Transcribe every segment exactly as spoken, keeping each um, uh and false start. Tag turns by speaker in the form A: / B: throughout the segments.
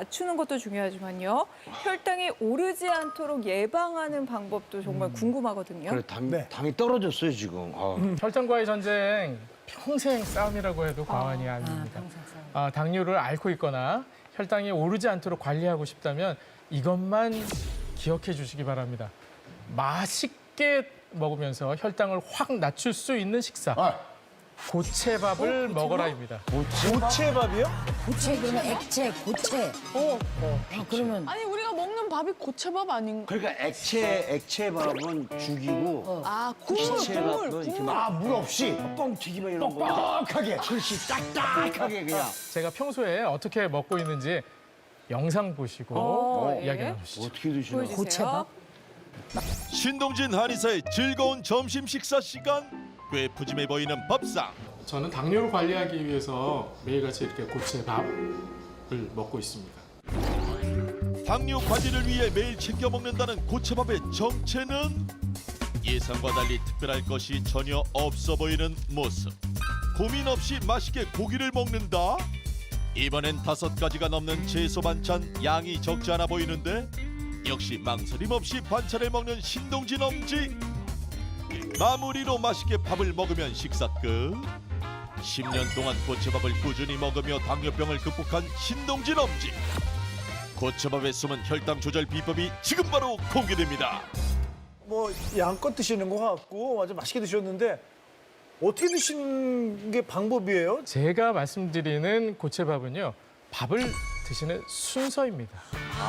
A: 낮추는 것도 중요하지만요. 혈당이 오르지 않도록 예방하는 방법도 정말 궁금하거든요.
B: 그래, 당,
C: 네.
B: 당이 떨어졌어요, 지금. 아.
D: 혈당과의 전쟁 평생 싸움이라고 해도 과언이 아닙니다. 아, 당뇨를 앓고 있거나 혈당이 오르지 않도록 관리하고 싶다면 이것만 기억해 주시기 바랍니다. 맛있게 먹으면서 혈당을 확 낮출 수 있는 식사.
B: 아.
D: 고체밥을 먹어라입니다.
C: 고체밥이요?
E: 고체 그러면 액체, 고체. 어, 아, 그러면
F: 아니 우리가 먹는 밥이 고체밥 아닌가?
B: 그러니까 액체, 액체밥은 죽이고,
F: 아 국물, 국물,
B: 고체밥은 이렇게
F: 국물.
B: 막, 물 없이, 뻥튀기만 이런 거. 뻑뻑하게. 그렇지, 딱딱하게 그냥.
D: 제가 평소에 어떻게 먹고 있는지 영상 보시고
A: 어,
D: 이야기
A: 예.
D: 나누시죠.
B: 어떻게 드시나?
A: 보여주세요.
E: 고체밥?
G: 신동진 한의사의 즐거운 점심 식사 시간. 꽤 푸짐해 보이는 밥상.
D: 저는 당뇨를 관리하기 위해서 매일같이 이렇게 고체밥을 먹고 있습니다.
G: 당뇨 관리를 위해 매일 챙겨 먹는다는 고체밥의 정체는 예상과 달리 특별할 것이 전혀 없어 보이는 모습. 고민 없이 맛있게 고기를 먹는다? 이번엔 다섯 가지가 넘는 채소 반찬 양이 적지 않아 보이는데 역시 망설임 없이 반찬을 먹는 신동진 엄지. 마무리로 맛있게 밥을 먹으면 식사 끝. 십 년 동안 고체밥을 꾸준히 먹으며 당뇨병을 극복한 신동진 엄지. 고체밥에 숨은 혈당 조절 비법이 지금 바로 공개됩니다.
C: 뭐 양껏 드시는 것 같고 아주 맛있게 드셨는데 어떻게 드시는 게 방법이에요?
D: 제가 말씀드리는 고체밥은요, 밥을 드시는 순서입니다.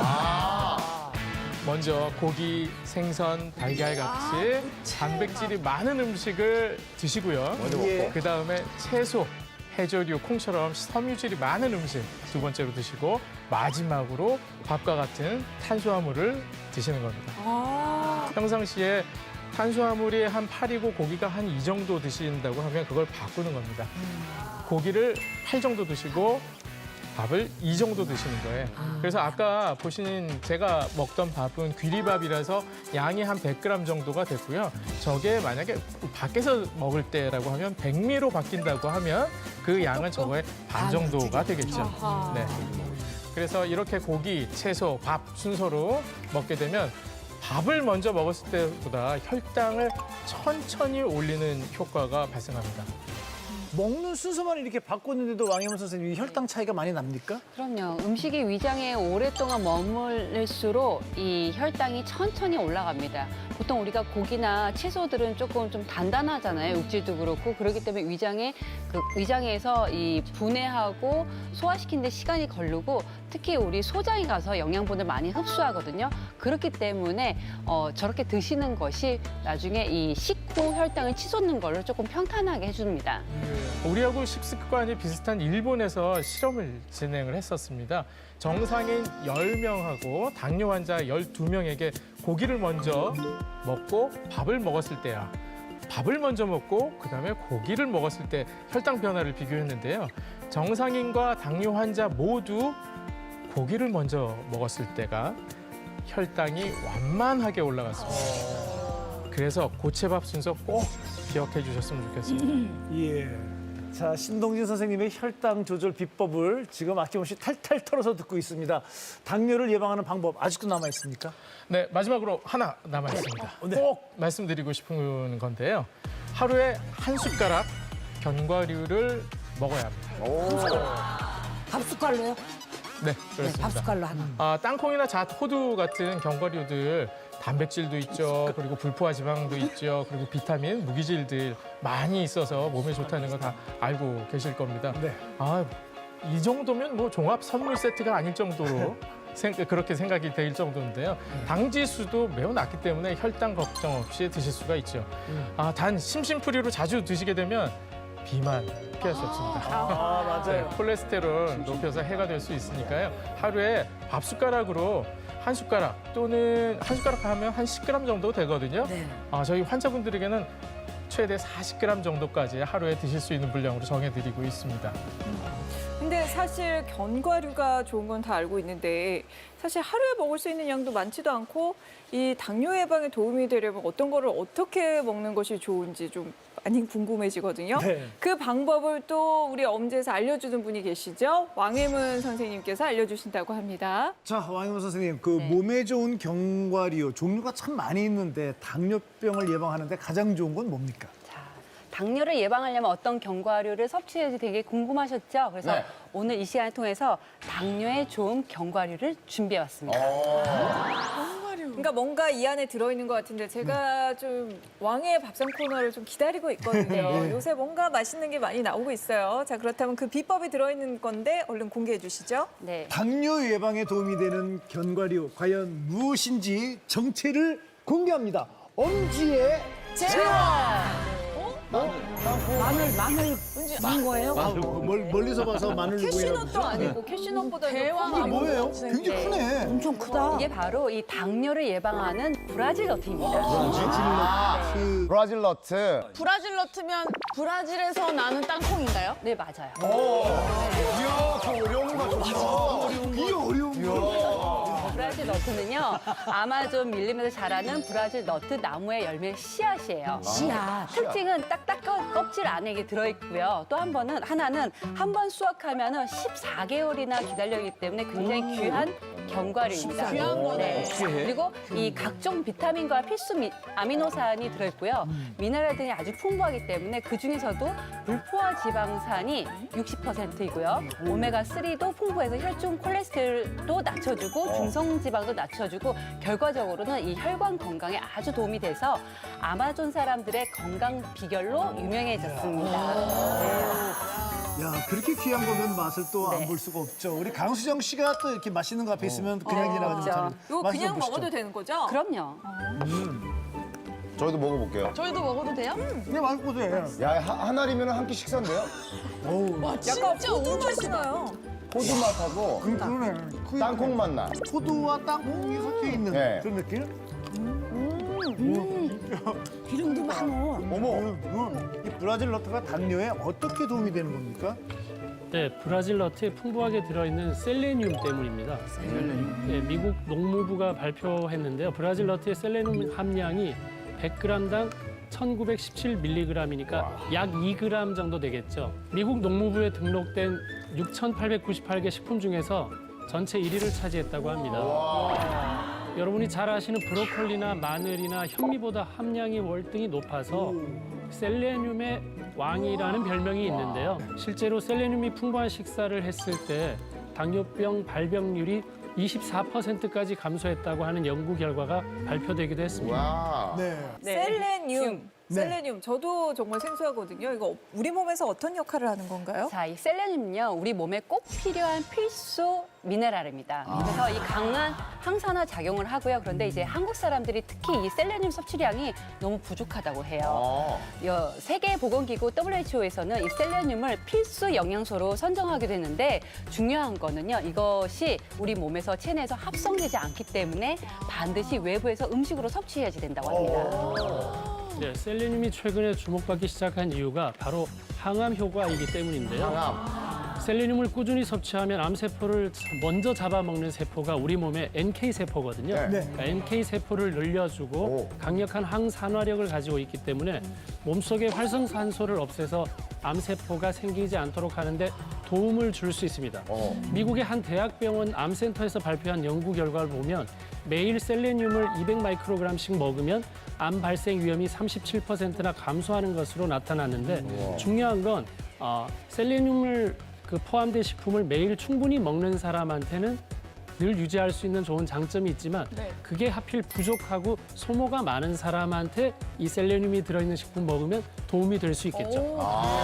D: 먼저 고기, 생선, 달걀 같이 단백질이 많은 음식을 드시고요.
C: 예.
D: 그 다음에 채소, 해조류, 콩처럼 섬유질이 많은 음식 두 번째로 드시고 마지막으로 밥과 같은 탄수화물을 드시는 겁니다.
A: 아,
D: 평상시에 탄수화물이 한 팔이고 고기가 한 이 정도 드신다고 하면 그걸 바꾸는 겁니다. 고기를 팔 정도 드시고 밥을 이 정도 드시는 거예요. 그래서 아까 보신 제가 먹던 밥은 귀리밥이라서 양이 한 백 그램 정도가 됐고요. 저게 만약에 밖에서 먹을 때라고 하면 백미로 바뀐다고 하면 그 양은 저거의 반 정도가 되겠죠.
A: 아하.
D: 네. 그래서 이렇게 고기, 채소, 밥 순서로 먹게 되면 밥을 먼저 먹었을 때보다 혈당을 천천히 올리는 효과가 발생합니다.
C: 먹는 순서만 이렇게 바꿨는데도 왕혜원 선생님 혈당 차이가 많이 납니까?
H: 그럼요. 음식이 위장에 오랫동안 머물릴수록 이 혈당이 천천히 올라갑니다. 보통 우리가 고기나 채소들은 조금 좀 단단하잖아요. 육질도 그렇고. 그렇기 때문에 위장에 그 위장에서 이 분해하고 소화시키는 데 시간이 걸리고 특히 우리 소장에 가서 영양분을 많이 흡수하거든요. 그렇기 때문에 어, 저렇게 드시는 것이 나중에 이 식후 혈당을 치솟는 걸로 조금 평탄하게 해줍니다.
D: 우리하고 식습관이 비슷한 일본에서 실험을 진행을 했었습니다. 정상인 열 명하고 당뇨 환자 열두 명에게 고기를 먼저 먹고 밥을 먹었을 때야. 밥을 먼저 먹고 그다음에 고기를 먹었을 때 혈당 변화를 비교했는데요. 정상인과 당뇨 환자 모두 고기를 먼저 먹었을 때가 혈당이 완만하게 올라갔습니다. 그래서 고체밥 순서 꼭 기억해 주셨으면 좋겠습니다.
C: 예. 자, 신동진 선생님의 혈당 조절 비법을 지금 아낌없이 탈탈 털어서 듣고 있습니다. 당뇨를 예방하는 방법 아직도 남아 있습니까?
D: 네, 마지막으로 하나 남아 있습니다.
C: 네.
D: 꼭 말씀드리고 싶은 건데요. 하루에 한 숟가락 견과류를 먹어야 합니다.
E: 밥 숟갈로요?
D: 네,
E: 네,
D: 그렇습니다.
E: 밥 숟갈로 하나.
D: 아, 땅콩이나 잣, 호두 같은 견과류들 단백질도 있죠. 그리고 불포화 지방도 있죠. 그리고 비타민, 무기질들 많이 있어서 몸에 좋다는 거 다 알고 계실 겁니다.
C: 네.
D: 아, 이 정도면 뭐 종합 선물 세트가 아닐 정도로 생, 그렇게 생각이 될 정도인데요. 당 지수도 매우 낮기 때문에 혈당 걱정 없이 드실 수가 있죠. 아, 단 심심풀이로 자주 드시게 되면 비만 피할 수 없습니다.
C: 아,
D: 네,
C: 맞아요.
D: 콜레스테롤 높여서 해가 될 수 있으니까요. 하루에 밥 숟가락으로 한 숟가락 또는 한 숟가락 하면 한 십 그램 정도 되거든요.
E: 네.
D: 아, 저희 환자분들에게는 최대 사십 그램 정도까지 하루에 드실 수 있는 분량으로 정해드리고 있습니다.
A: 근데 사실 견과류가 좋은 건 다 알고 있는데 사실 하루에 먹을 수 있는 양도 많지도 않고 이 당뇨 예방에 도움이 되려면 어떤 거를 어떻게 먹는 것이 좋은지 좀 많이 궁금해지거든요.
C: 네.
A: 그 방법을 또 우리 엄지에서 알려주는 분이 계시죠. 왕혜문 선생님께서 알려주신다고 합니다.
C: 자, 왕희문 선생님, 그
H: 네.
C: 몸에 좋은 견과류 종류가 참 많이 있는데 당뇨병을 예방하는데 가장 좋은 건 뭡니까?
H: 자, 당뇨를 예방하려면 어떤 견과류를 섭취해야지 되게 궁금하셨죠? 그래서
B: 네.
H: 오늘 이 시간을 통해서 당뇨에 좋은 견과류를 준비해왔습니다.
A: 그러니까 뭔가 이 안에 들어있는 것 같은데 제가 좀 왕의 밥상 코너를 좀 기다리고 있거든요. 요새 뭔가 맛있는 게 많이 나오고 있어요. 자, 그렇다면 그 비법이 들어있는 건데 얼른 공개해 주시죠.
H: 네.
C: 당뇨 예방에 도움이 되는 견과류 과연 무엇인지 정체를 공개합니다. 엄지의
E: 마늘 마늘 만 거예요?
C: 아, 멀, 멀리서 봐서 마늘
A: 캐시넛도 아니고 캐시넛보다
F: 대왕
A: 더
C: 이게 뭐예요? 굉장히
H: 네.
C: 크네.
E: 엄청 크다.
H: 이게 바로 이 당뇨를 예방하는 브라질 너트입니다.
B: 아,
C: 그
B: 브라질 너트.
F: 브라질 너트면 브라질에서 나는 땅콩인가요?
H: 네, 맞아요.
B: 이야, 저 어려운 거 좋다.
C: 이게 어려운 거.
H: 브라질 너트는요, 아마존 밀림에서 자라는 브라질 너트 나무의 열매 씨앗이에요.
E: 씨앗.
H: 특징은 딱딱한 껍질 안에 이게 들어있고요. 또 한 번은, 하나는 한 번 수확하면 십사 개월이나 기다려기 때문에 굉장히 귀한 견과류입니다.
F: 귀한 거네.
H: 그리고 이 각종 비타민과 필수 미- 아미노산이 들어있고요. 미네랄들이 아주 풍부하기 때문에 그중에서도 불포화 지방산이 육십 퍼센트이고요. 오메가삼도 풍부해서 혈중 콜레스테롤도 낮춰주고 중성지방도 낮춰주고 결과적으로는 이 혈관 건강에 아주 도움이 돼서 아마존 사람들의 건강 비결로 유명해졌습니다.
C: 야, 그렇게 귀한 거면 맛을 또 안
H: 네.
C: 볼 수가 없죠. 우리 강수정 씨가 또 이렇게 맛있는 거 앞에 있으면 그냥 지나가지
H: 그렇죠.
C: 못하는
A: 이거
C: 맛 좀
A: 그냥
C: 보시죠.
A: 먹어도 되는 거죠?
H: 그럼요.
B: 저희도 먹어볼게요.
F: 저희도 먹어도 돼요?
C: 그냥 맛있고 돼.
B: 야, 하, 한 알이면 한 끼 식사인데요?
C: 어우,
F: 와,
A: 약간
F: 진짜
A: 호두
F: 엄청
A: 맛이 나요.
B: 호두 맛하고
C: 그, 그러네. 그
B: 땅콩 맛 나.
C: 호두와 땅콩이 섞여 있는
B: 네.
C: 그런 느낌?
E: 기름도 많어.
B: 어머.
C: 음, 이 브라질 너트가 당뇨에 어떻게 도움이 되는 겁니까?
I: 네, 브라질 너트에 풍부하게 들어있는 셀레늄 때문입니다. 네, 미국 농무부가 발표했는데요. 브라질 너트의 셀레늄 함량이 백 그램당 천구백십칠 밀리그램이니까 약 이 그램 정도 되겠죠. 미국 농무부에 등록된 육천팔백구십팔 개 식품 중에서 전체 일 위를 차지했다고 합니다. 여러분이 잘 아시는 브로콜리나 마늘이나 현미보다 함량이 월등히 높아서 셀레늄의 왕이라는 별명이 있는데요. 실제로 셀레늄이 풍부한 식사를 했을 때 당뇨병 발병률이 이십사 퍼센트까지 감소했다고 하는 연구 결과가 발표되기도 했습니다.
B: 와.
C: 네.
H: 네.
A: 셀레늄.
C: 네.
A: 셀레늄. 저도 정말 생소하거든요. 이거 우리 몸에서 어떤 역할을 하는 건가요?
H: 자, 이 셀레늄은요, 우리 몸에 꼭 필요한 필수 미네랄입니다. 그래서 이 강한 항산화 작용을 하고요. 그런데 이제 한국 사람들이 특히 이 셀레늄 섭취량이 너무 부족하다고 해요.
B: 어.
H: 여, 세계보건기구 더블유에이치오에서는 이 셀레늄을 필수 영양소로 선정하게 되는데 중요한 거는요, 이것이 우리 몸에서 체내에서 합성되지 않기 때문에 반드시 외부에서 음식으로 섭취해야지 된다고 합니다.
I: 네, 셀레늄이 최근에 주목받기 시작한 이유가 바로 항암 효과이기 때문인데요.
B: 항암.
I: 셀레늄을 꾸준히 섭취하면 암세포를 먼저 잡아먹는 세포가 우리 몸의 엔케이 세포거든요.
B: 네.
I: 그러니까 엔케이 세포를 늘려주고
B: 오.
I: 강력한 항산화력을 가지고 있기 때문에 몸속의 활성산소를 없애서 암세포가 생기지 않도록 하는데 도움을 줄 수 있습니다.
B: 어.
I: 미국의 한 대학병원 암센터에서 발표한 연구 결과를 보면 매일 셀레늄을 이백 마이크로그램씩 먹으면 암 발생 위험이 삼십칠 퍼센트나 감소하는 것으로 나타났는데 중요한 건 어, 셀레늄을 그 포함된 식품을 매일 충분히 먹는 사람한테는 늘 유지할 수 있는 좋은 장점이 있지만
A: 네.
I: 그게 하필 부족하고 소모가 많은 사람한테 이 셀레늄이 들어있는 식품 먹으면 도움이 될 수 있겠죠.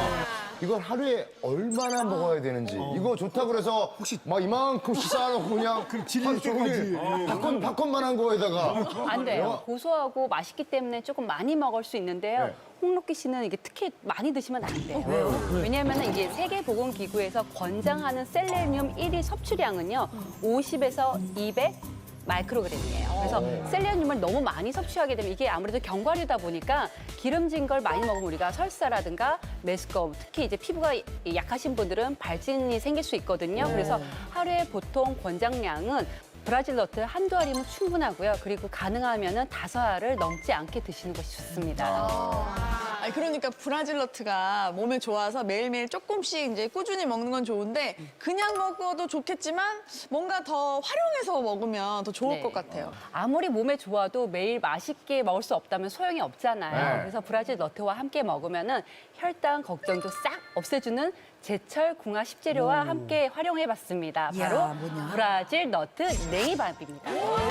B: 이걸 하루에 얼마나 먹어야 되는지. 이거 좋다 그래서 혹시 막 이만큼 씻어놓고 그냥
C: 질릴
B: 하루 종일
C: 때까지.
B: 팝콘, 팝콘만 한 거에다가.
H: 안 돼요. 고소하고 맛있기 때문에 조금 많이 먹을 수 있는데요.
B: 네.
H: 홍록기 씨는 이게 특히 많이 드시면 안 돼요. 왜냐하면 이게 세계보건기구에서 권장하는 셀레늄 일 일 섭취량은요, 오십에서 이백, 마이크로그램이에요. 그래서 셀레늄을 너무 많이 섭취하게 되면 이게 아무래도 견과류다 보니까 기름진 걸 많이 먹으면 우리가 설사라든가 메스꺼움, 특히 이제 피부가 약하신 분들은 발진이 생길 수 있거든요. 그래서 하루에 보통 권장량은 브라질 너트 한두 알이면 충분하고요. 그리고 가능하면은 다섯 알을 넘지 않게 드시는 것이 좋습니다.
F: 아니, 그러니까 브라질 너트가 몸에 좋아서 매일매일 조금씩 이제 꾸준히 먹는 건 좋은데 그냥 먹어도 좋겠지만 뭔가 더 활용해서 먹으면 더 좋을
H: 네.
F: 것 같아요.
H: 아무리 몸에 좋아도 매일 맛있게 먹을 수 없다면 소용이 없잖아요.
B: 네.
H: 그래서 브라질 너트와 함께 먹으면은 혈당 걱정도 싹 없애주는 제철 궁합 식재료와 함께 활용해봤습니다.
E: 이야,
H: 바로
E: 뭐냐?
H: 브라질 너트 냉이밥입니다.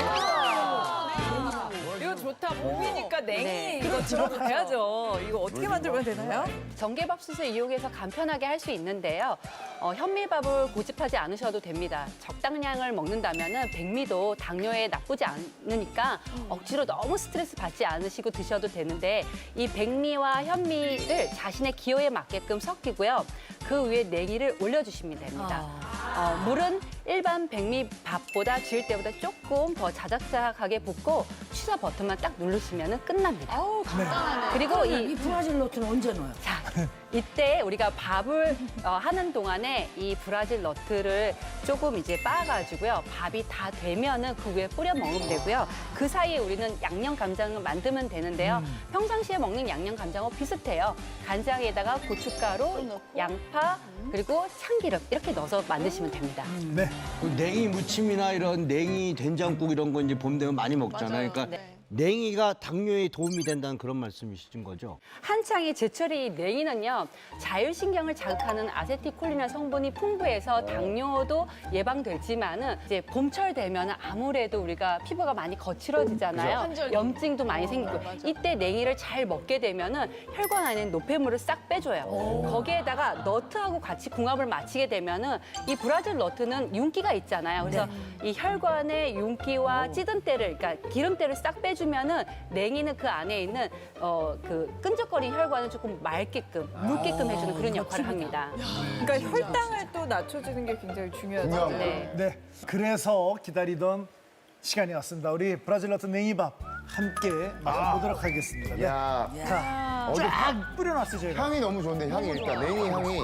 A: 이거 좋다. 봄이니까 냉이
H: 네.
A: 이거 들어가야죠. 이거 어떻게 만들면 되나요?
H: 전개밥솥을 이용해서 간편하게 할 수 있는데요. 어, 현미밥을 고집하지 않으셔도 됩니다. 적당량을 먹는다면 백미도 당뇨에 나쁘지 않으니까 억지로 너무 스트레스 받지 않으시고 드셔도 되는데 이 백미와 현미를 자신의 기호에 맞게끔 섞이고요. 그 위에 냉이를 올려주시면 됩니다. 어, 물은 일반 백미밥보다 지을 때보다 조금 더 자작자작하게 붓고 취사 버튼만 딱 누르시면 끝납니다.
F: 아우, 간단하네.
H: 그리고
E: 이
H: 이
E: 브라질 너트는 언제 넣어요?
H: 자, 이때 우리가 밥을 어, 하는 동안에 이 브라질 너트를 조금 이제 빻아가지고요. 밥이 다 되면은 그 위에 뿌려 먹으면 되고요. 그 사이에 우리는 양념 간장을 만들면 되는데요. 평상시에 먹는 양념 간장하고 비슷해요. 간장에다가 고춧가루, 양파, 그리고 참기름 이렇게 넣어서 만드시면 됩니다.
C: 네.
J: 그 냉이 무침이나 이런 냉이 된장국 이런 거 이제 봄 되면 많이 먹잖아요.
F: 맞아요.
J: 그러니까
F: 네.
J: 냉이가 당뇨에 도움이 된다는 그런 말씀이신 거죠?
H: 한창이 제철이 냉이는요 자율신경을 자극하는 아세틸콜린이라는 성분이 풍부해서 당뇨도 예방되지만은 이제 봄철 되면 아무래도 우리가 피부가 많이 거칠어지잖아요.
F: 한절기.
H: 염증도 많이 생기고
F: 맞아.
H: 이때 냉이를 잘 먹게 되면은 혈관 안에 있는 노폐물을 싹 빼줘요. 거기에다가 너트하고 같이 궁합을 맞추게 되면은 이 브라질 너트는 윤기가 있잖아요. 그래서 이 혈관의 윤기와 찌든 때를 그러니까 기름때를 싹 빼주. 주면은 냉이는 그 안에 있는 어 그 끈적거린 혈관을 조금 맑게끔 묽게끔 해주는 그런 역할을 합니다.
A: 그러니까 혈당을 또 낮춰주는 게 굉장히 중요하죠.
B: 중요한
H: 네.
C: 네. 그래서 기다리던 시간이 왔습니다. 우리 브라질 너트 냉이밥 함께 맛보도록 하겠습니다. 네.
B: 야,
C: 자,
B: 어디
C: 쫙 뿌려놨어요, 저희가.
B: 향이 너무 좋은데 향이 일단 냉이 향이.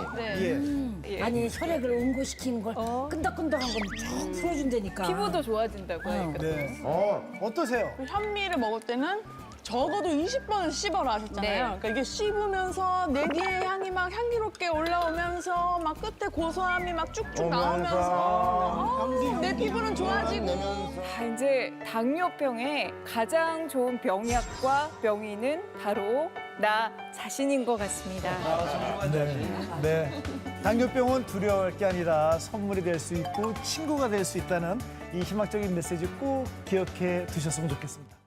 C: 예.
E: 아니 혈액을 응고시키는 걸 끈덕끈덕한 걸 쫙 풀어준다니까.
A: 피부도 좋아진다고 하니까.
C: 네.
B: 어,
C: 어떠세요?
F: 그 현미를 먹을 때는 적어도 이십 번은 씹어라 하셨잖아요.
H: 네.
F: 그러니까 이게 씹으면서 내기의 향이 막 향기롭게 올라오면서 막 끝에 고소함이 막 쭉쭉 나오면서 아우, 내 피부는 좋아지고.
A: 자, 이제 당뇨병의 가장 좋은 병약과 병인은 바로 나 자신인 것 같습니다.
C: 네. 네. 당뇨병은 두려워할 게 아니라 선물이 될 수 있고 친구가 될 수 있다는 이 희망적인 메시지 꼭 기억해 두셨으면 좋겠습니다.